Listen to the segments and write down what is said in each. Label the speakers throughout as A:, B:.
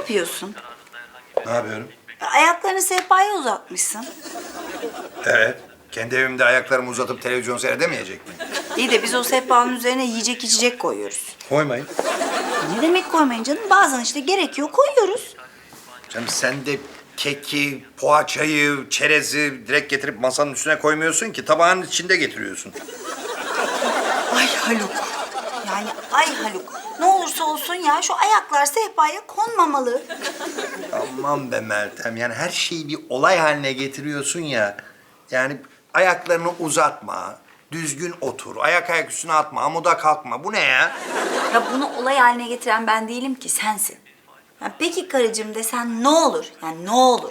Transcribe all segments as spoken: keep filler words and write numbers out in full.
A: yapıyorsun?
B: Ne yapıyorum?
A: Ayaklarını sehpaya uzatmışsın.
B: Evet. Kendi evimde ayaklarımı uzatıp televizyon seyredemeyecek miyim?
A: İyi de biz o sehpanın üzerine yiyecek içecek koyuyoruz.
B: Koymayın.
A: Ne demek koymayın canım? Bazen işte gerekiyor koyuyoruz.
B: Canım sen de keki, poğaçayı, çerezi direkt getirip masanın üstüne koymuyorsun ki. Tabağın içinde getiriyorsun.
A: Ay Haluk. Yani ay Haluk. Ne olursa olsun ya şu ayaklar sehpaya konmamalı.
B: Aman be Meltem, yani her şeyi bir olay haline getiriyorsun ya. Yani ayaklarını uzatma, düzgün otur, ayak ayak üstüne atma, amuda kalkma. Bu ne ya?
A: Ya bunu olay haline getiren ben değilim ki sensin. Ya peki karıcığım desen ne olur? Yani ne olur?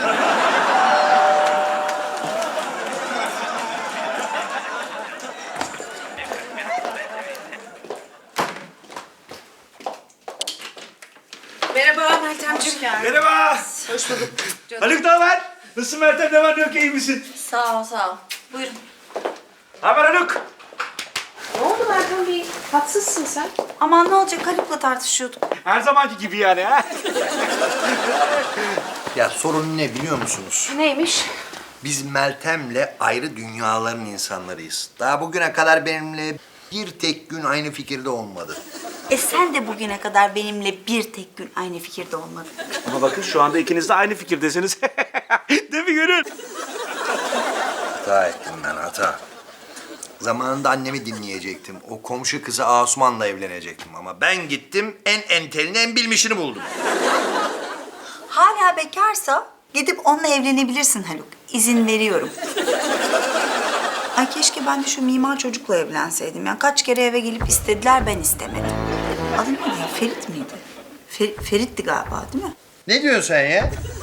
C: Merhaba Meltemciğim.
D: Merhaba.
C: Hoş bulduk. Canım.
D: Haluk ne haber? Nasılsın Meltem? Ne var ne yok, iyi misin?
A: Sağ ol, sağ ol. Buyurun.
D: Ne haber Haluk?
C: Ne oldu Meltem, bir tatsızsın sen?
A: Aman ne olacak Haluk'la tartışıyorduk.
D: Her zamanki gibi yani ha?
B: Ya sorun ne biliyor musunuz?
C: Neymiş?
B: Biz Meltem'le ayrı dünyaların insanlarıyız. Daha bugüne kadar benimle bir tek gün aynı fikirde olmadı.
A: E sen de bugüne kadar benimle bir tek gün aynı fikirde olmadın.
D: Ama bakın şu anda ikiniz de aynı fikirdesiniz. Değil mi Gönül?
B: Hata ettim ben, hata. Zamanında annemi dinleyecektim. O komşu kızı Asuman'la evlenecektim ama ben gittim en entelini, en bilmişini buldum.
A: Hala bekarsa gidip onunla evlenebilirsin Haluk. İzin veriyorum. Ay keşke ben de şu mimar çocukla evlenseydim. Yani kaç kere eve gelip istediler, ben istemedim. Adı neydi? Ferit miydi? Fer- Ferit'ti galiba değil mi?
B: Ne diyorsun sen ya?